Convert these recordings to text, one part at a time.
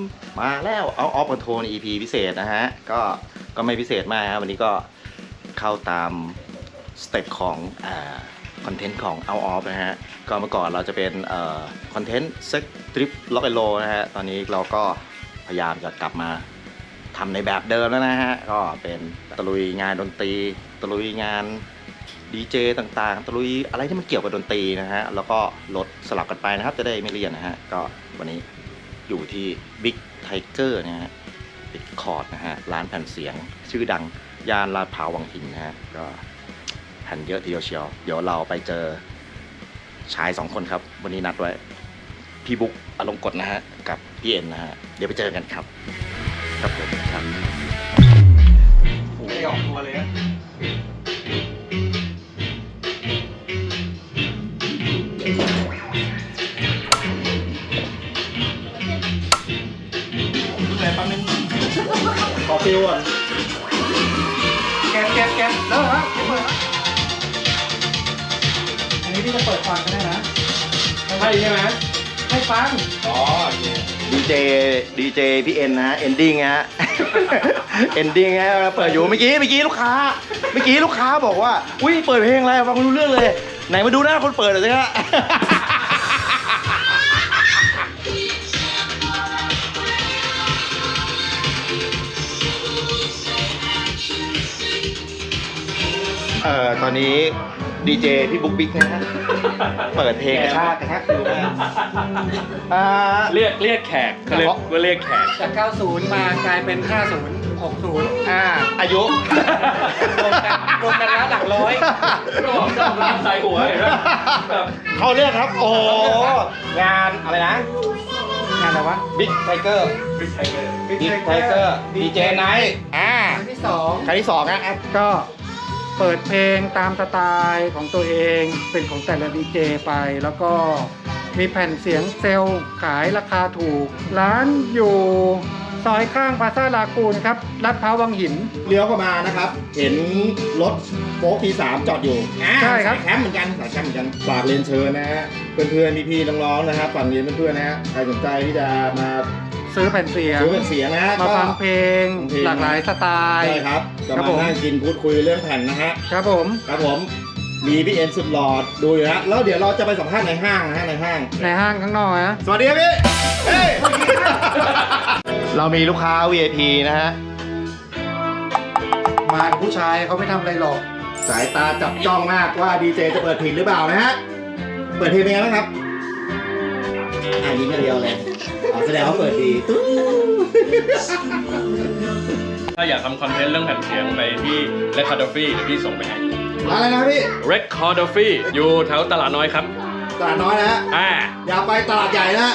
มาแล้วเอาออฟคอนโทรล EP พิเศษนะฮะก็ไม่พิเศษมากครับวันนี้ก็เข้าตามสเต็ปของคอนเทนต์ของ Out of นะฮะก็เมื่อก่อนเราจะเป็นคอนเทนต์เซ็กทริปล็อกไอโลนะฮะตอนนี้เราก็พยายามจะกลับมาทำในแบบเดิมแล้วนะฮะก็เป็นตะลุยงานดนตรีตะลุยงานดีเจต่างๆตะลุยอะไรที่มันเกี่ยวกับดนตรีนะฮะแล้วก็ลดสลับกันไปนะครับจะได้ไม่เลี่ยนนะฮะก็วันนี้อยู่ที่ Big Tiger นะฮะติดคอร์ดนะฮะร้านแผ่นเสียงชื่อดังย่านลาดพร้าววังหินนะฮะก็แผ่นเยอะทีเดียวเชียวเดี๋ยวเราไปเจอชาย2คนครับวันนี้นัดไว้พี่บุ๊กอลงกฎนะฮะกับพี่เอ็นนะฮะเดี๋ยวไปเจอกันครับครับผมครับไม่ออกตัวเลยนะขอฟิวก่อนแก๊สแล้วฮะอันนี้พี่จะเปิดฟังก็ได้นะใช่ไหมให้ฟังอ๋อดีเจพี่เอ็นนะฮะเอนดิ้งฮะเอนดิ้งฮะเปิดอยู่เมื่อกี้ลูกค้าบอกว่าอุ้ยเปิดเพลงอะไรฟังไม่รู้เรื่องเลยไหนมาดูหน้าคนเปิดหน่อยสิฮะตอนนี้ดีเจพี่บุ๊กบิ๊กนะฮะเปิดเพลงกระชากฟิวมากเรียกแขกเขาเรียกว่าเรียกแขกจาก90มากลายเป็น50 60 อายุรวมกันแล้วหลักร้อยก็จะร้านใส่หัวเห็นไหมเขาเรียกครับโอ้งานอะไรนะงานอะไรวะ Big Tiger Big Tiger ดีเจไนท์ครั้งที่2 นะก็เปิดเพลงตามสไตล์ของตัวเองเป็นของแต่ละดีเจไปแล้วก็มีแผ่นเสียงเซลล์ขายราคาถูกร้านอยู่ซอยข้างพาซาลากูนครับลาดพร้าววังหินเลี้ยวเข้ามานะครับเห็นรถโฟล์คT3จอดอยู่ใช่ครับแคมป์เหมือนกันฝากเรียนเชิญนะฮะเพื่อนๆพี่ๆน้องๆนะครับฝั่งเรียนเพื่อนๆนะฮะใครสนใจที่จะมาซื้อแผ่นเสียงนะฮะมาฟังเพลงหลากหลายสไตล์ใช่ครับจะมานั่งกินพูดคุยเรื่องแผ่นนะฮะครับผมมีพี่เอ็นสุดหล่อดูอยู่นะแล้วเดี๋ยวเราจะไปสัมภาษณ์ในห้างนะฮะในห้างข้างนอกนะสวัสดีครับพี่เฮ้ยเรามีลูกค้า VIP นะฮะมาผู้ชายเขาไม่ทำอะไรหรอกสายตาจับจ้องมากว่าดีเจจะเปิดเพลงหรือเปล่านะฮะเปิดเพลงเป็นไงบ้างครับยิ้มอย่างเดียวเลยแสดงว่าเปิดดีถ้าอยากทำคอนเทนต์เรื่องแผ่นเสียงไปที่ Recordography เดี๋ยวพี่ส่งไปให้อะไรนะพี่ Recordography อยู่แถวตลาดน้อยครับตลาดน้อยนะอย่าไปตลาดใหญ่นะ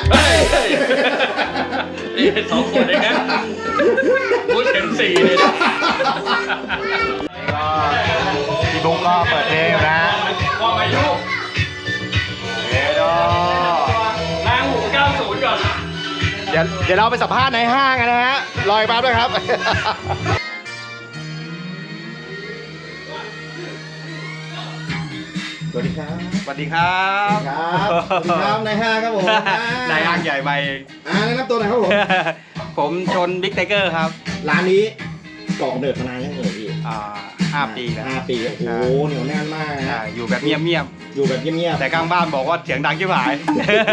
นี่2 คนเองนะพูดถึง4เลยนะพี่บุ๊กก็เปิดเพลงนะว่าอายุนางหู90ก่อนเดี๋ยวเราไปสัมภาษณ์ในห้างกันนะฮะรอยปั๊บด้วยครับสวัสดีครับสวัสดีครับในห้างครับผมในห้างใหญ่ไปแนะนำตัวหน่อยครับผมผมชนบิ๊กไทเกอร์ครับร้านนี้ก่อเดิดมานานยังไงพี่ 5 ปีแล้ว 5 ปีโอ้โหเหนียวแน่นมากนะอยู่แบบเงียบแต่ข้างบ้านบอกว่าเสียงดังชิบหาย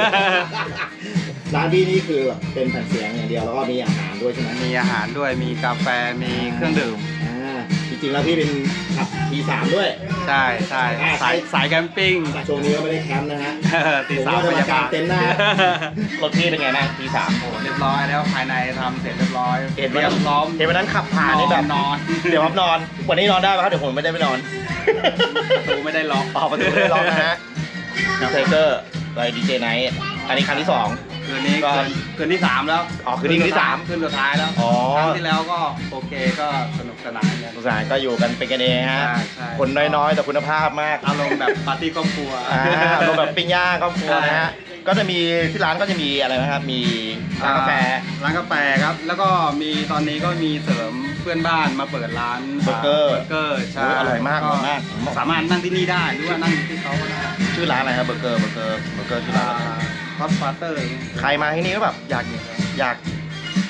ร้านพี่นี่คือแบบเป็นแผ่นเสียงอย่างเดียวแล้วก็มีอาหารด้วยใช่ไหมมีอาหารด้วยมีกาแฟมีเครื่องดื่มจริงๆแล้วพี่เป็นขับ T3 ด้วยใช่สายแคมปิ้งช่วงนี้ก็ไม่ได้แคมป์นะฮะ T3 จะมาการเต็นท์หน้ารถพี่เป็นไงนะ T3 โอ้เรียบร้อยแล้วภายในทำเสร็จเรียบร้อยเห็นวันนั้นขับผ่านนี่แบบนอนเดี๋ยวครับนอนวันนี้นอนได้ป่ะครับเดี๋ยวผมไม่ได้ไปนอนประตูไม่ได้ล็อกประตูไม่ได้ล็อกนะฮะไทเกอร์ไปดีเจไนท์อันนี้ครั้งที่2 คืนนี้คืนที่3แล้วคืนที่3 คืนสุดท้ายแล้วครั้งที่แล้วก็โอเคก็สนุกสนานก็อยู่กันเป็นกันเองฮะคนน้อยๆแต่คุณภาพมากอารมณ์แบบปาร์ตี้ครอบครัวอารมณ์แบบปิ้งย่างครอบครัวนะฮะก็จะมีที่ร้านก็จะมีอะไรนะครับมีร้านกาแฟครับแล้วก็มีตอนนี้ก็มีเสริมเพื่อนบ้านมาเปิดร้านเบอร์เกอร์ใช่อร่อยมากสามารถนั่งที่นี่ได้หรือว่านั่งที่เขาก็ได้ชื่อร้านอะไรครับเบอร์เกอร์ชื่อร้านฮอตฟาสเตอร์ใครมาที่นี่ก็แบบอยาก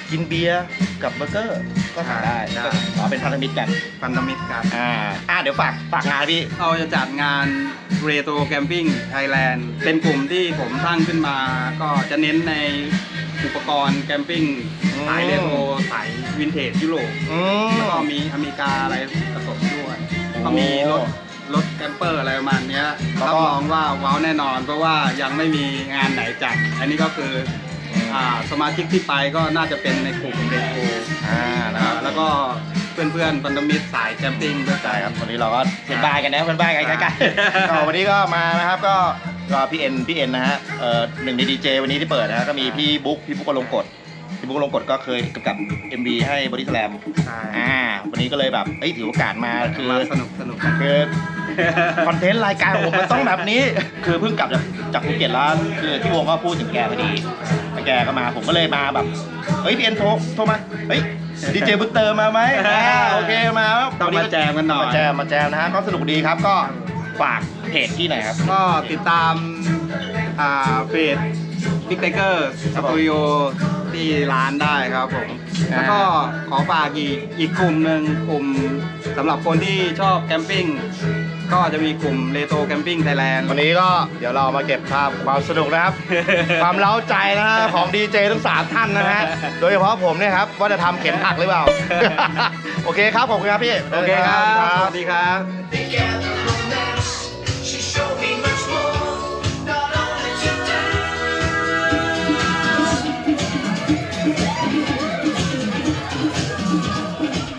กินเบียร์กับเบอร์เกอร์ก็สั่งได้ได้อ๋อเป็นพันธมิตรกันพันธมิตรกันเดี๋ยวฝากงานพี่เราจะจัดงาน Retro Camping Thailand เป็นกลุ่มที่ผมตั้งขึ้นมา ก็จะเน้นในอุปกรณ์แคมปิ้งสายเรโทรสายวินเทจยุโรป แล้วก็มีอเมริกาอะไรผสมด้วย ก็มีรถแคมเปอร์อะไรประมาณเนี้ยแล้วก็รับรองว่าว้าวแน่นอน เพราะว่ายังไม่มีงานไหนจัด อันนี้ก็คือสมาชิกที่ไปก็น่าจะเป็นในกลุ่มเรโทรนะครับแล้วก็เพื่อนๆพันธมิตรสายแคมปิ้งด้วยใช่ครับวันนี้เราก็เป็นบ้านกันนะเป็นบ้านกันใกล้ๆก็วันนี้ก็มานะครับก็พี่เอ็นนะฮะหนึ่งในดีเจวันนี้ที่เปิดนะฮะก็มีพี่บุ๊กอลงกฎพี่บุ๊กอลงกฎก็เคยกำกับ MV ให้บอดี้สแลมใช่วันนี้ก็เลยแบบถือโอกาสมาคือมาสนุกคือคอนเทนต์รายการของผมมันต้องแบบนี้ คือเพิ่งกลับจากภูเก็ตแล้วคือที่วงก็พูดถึงแกพอดีแล้วแกก็มาผมก็เลยมาแบบพี่เอ็นโทรมาดีเจบุตเตอร์มาไหมโอเคมาต้องมาแจมกันหน่อยมาแจมนะฮะก็สนุกดีครับก็ฝากเพจที่ไหนครับก็ติดตามเพจ Big Tiger ครัสบผมตูดิโอที่ร้านได้ครับผม แล้วก็ขอฝากอีกกลุ่มหนึ่งกลุ่มสำหรับคนที่ชอบแคมปิ้งก็จะมีกลุ่มเรโทรแคมปิ้งไทยแลนด์วันนี้ก็เดี๋ยวเรามาเก็บภาพความสนุกนะครับ ความเล้าใจนะฮะของดีเจทั้ง3ท่านนะฮะโดยเฉพาะผมเนี่ยครับว่าจะทำเข็มหักหรือเปล่า โอเคครับขอบคุณครับพี่โอเคครับ สวัสดีครับ She showed me much more, not only to die.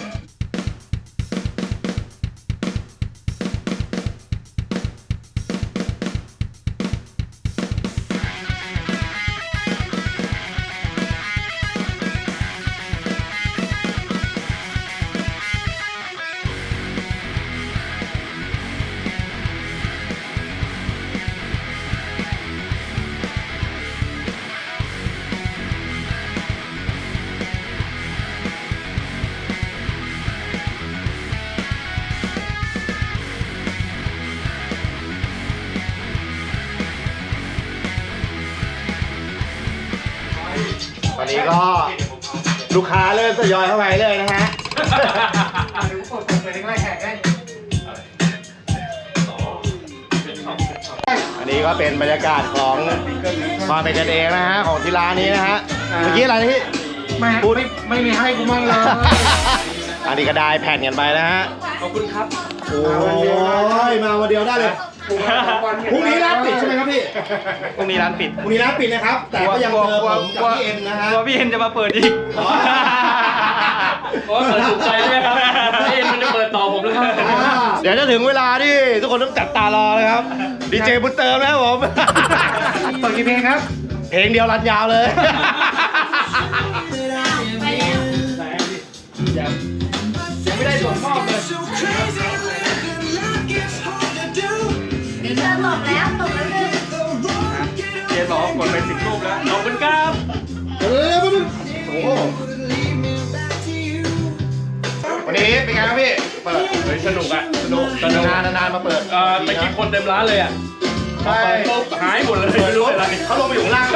วันนี้ก็ลูกค้าเริ่มทยอยเข้าไปเลยนะฮะ อันนี้ก็เป็นบรรยากาศของความเป็นกันเองนะฮะของที่ร้านนี้นะฮะเมื่อกี้อะไรนะพี่ พูดไม่มีให้กูมั่งเลยอันนี้ก็ได้แผ่นกันไปนะฮะขอบคุณครับโอ้ยมาวันเดียวได้เลยพรุ่งนี้ร้านปิดใช่ไหมครับพี่พรุ่งนี้ร้านปิดพรุ่งนี้ร้านปิดนะครับ แต่ก็ยังเจอผมกับพี่เอ็นนะฮะกลัวพี่เอ็นจะมาเปิดอีกอ๋อโอ้ยเปิดถูกใจใช่ไหมครับเอ็นมันจะเปิดต่อผมแล้วครับเดี๋ยวจะถึงเวลาที่ทุกคนต้องจับตารอเลยครับดีเจบุญเติมนะครับผมเปิดกี่เพลงครับเพลงเดียวรันยาวเลยยังไม่ได้ส่วนมอบเลย So crazy, living like it's hard to do. เธอตกแล้วตกแล้วหนึ่ง The road get เจนบอกว่ากดไป10 รูปแล้วขอบคุณครับโอ้โห lead me back to you. วันนี้เป็นไงครับพี่ เปิดเฮ้ยสนุกอะสนุกสนุกนานๆมาเปิดตะกี้คนเต็มร้านเลยอะพอเปิดปุ๊บหายหมดเลยเปิดไม่รู้ปุ๊บอะไรเขาลงไปอยู่ข้างล่าง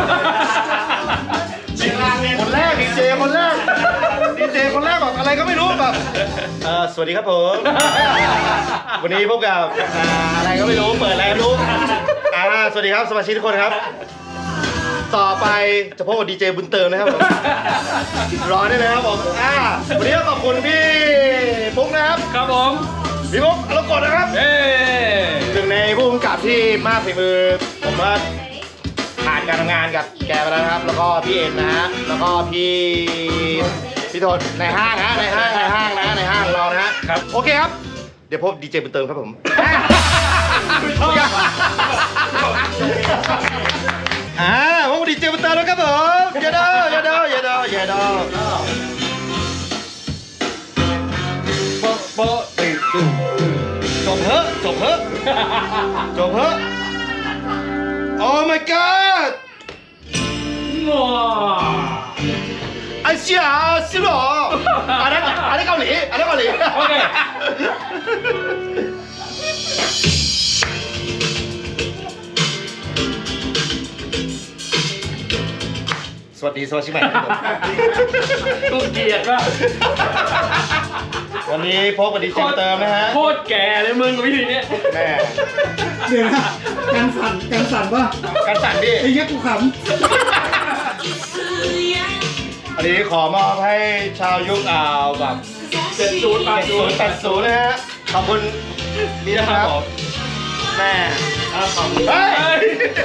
คนแรกดีเจคนแรกดีเจคนแรกบอกอะไรก็ไม่รู้แบบสวัสดีครับผม วันนี้พบกับอะไรก็ไม่รู้เปิดอะไรไม่รู้สวัสดีครับสมาชิกทุกคนครับ ต่อไปจะพบกับดีเจบุญเติมนะครับผมรอได้เลยครับผมวันนี้ก็ขอบคุณพี่ปุ๊กนะครับครับผมพี่ปุ๊กอารมณ์กดนะครับเอ้หนึ่งในผู้กำกับที่มากฝีมือผมว่าผ่านการทำงานกับแกไปแล้วนะครับ แล้วก็พี่เอ็นนะฮะแล้วก็พี่โทนในห้างนะในห้างเรานะฮะครับโอเคครับ เดี๋ยวพบดีเจบุญเติมครับผมพบดีเจบุญเติมแล้วครับผมอย่าดอโป๊ะจบเถอะโอ้ my god ว้าไอ้เชี่ยสิหรออันนั้นเกาหลีโอเคสวัสดีสวัสดีใหม่ครับผมกูเกลียดว่ะวันนี้พบกับดีเจเติมนะฮะโคตรแก่เลยมึงกับวิธีเนี้ยแม่เดี๋ยวนะการสั่นป่ะกันสั่นดิไอ้เหี้ยกูขอันนี้ขอมอบให้ชาวยุคแบบ 70 80นะฮะ ขอบคุณนี่นะครับแม่ขอบคุณเฮ้ย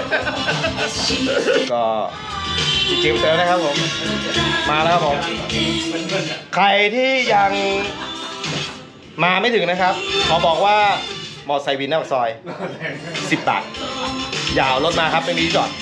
ก็ดีเจเติมนะครับผม มาแล้วครับผม ใครที่ยังมาไม่ถึงนะครับ ขอบอกว่ามอไซค์วินหน้าปากซอย 10 บาท อย่าเอารถมาครับไม่มีที่จอด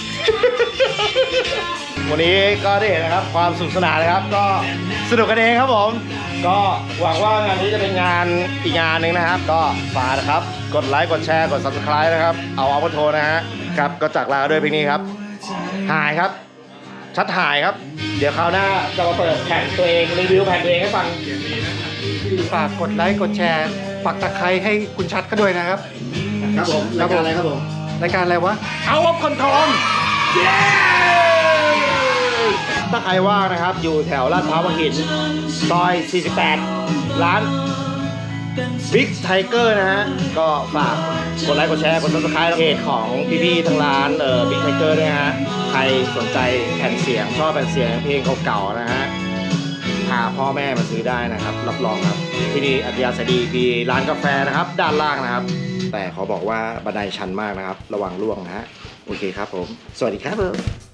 วันนี้ก็ได้เห็นนะครับความสนุกสนานนะครับ ก็สนุกกันเองครับผม ก็หวังว่างานนี้จะเป็นงานอีกงานหนึ่งนะครับ ก็ฝากนะครับ กดไลค์กดแชร์กด subscribe นะครับ เอามาโทรนะฮะครับก็จากลาด้วยเพลงนี้ครับหายครับ ชัดหายครับ เดี๋ยวคราวหน้าจะมาเปิดแผ่นตัวเองรีวิวแผ่นตัวเองให้ฟังำฝากกดไลค์กดแชร์ปักตะไคร้ให้คุณชัดก็ด้วยนะครับครับผมรายการอะไรครับผมรายการอะไรวะเอาออฟคอนโทรลถ้าใครว่างนะครับ อยู่แถวลาดพร้าววังหินซอย 48 ร้าน Big Tiger นะฮะ ก็ฝากกดไลค์กดแชร์กด subscribe เพจของพี่ๆทางร้านBig Tiger ด้วยฮะ ใครสนใจแผ่นเสียงชอบแผ่นเสียงเพลงเก่าๆนะฮะ พาพ่อแม่มาซื้อได้นะครับ รับรองครับ ที่นี่อัธยาศัยดีมีร้านกาแฟนะครับ ด้านล่างนะครับ แต่ขอบอกว่าบันไดชันมากนะครับ ระวังร่วงนะฮะ โอเคครับผม สวัสดีครับผม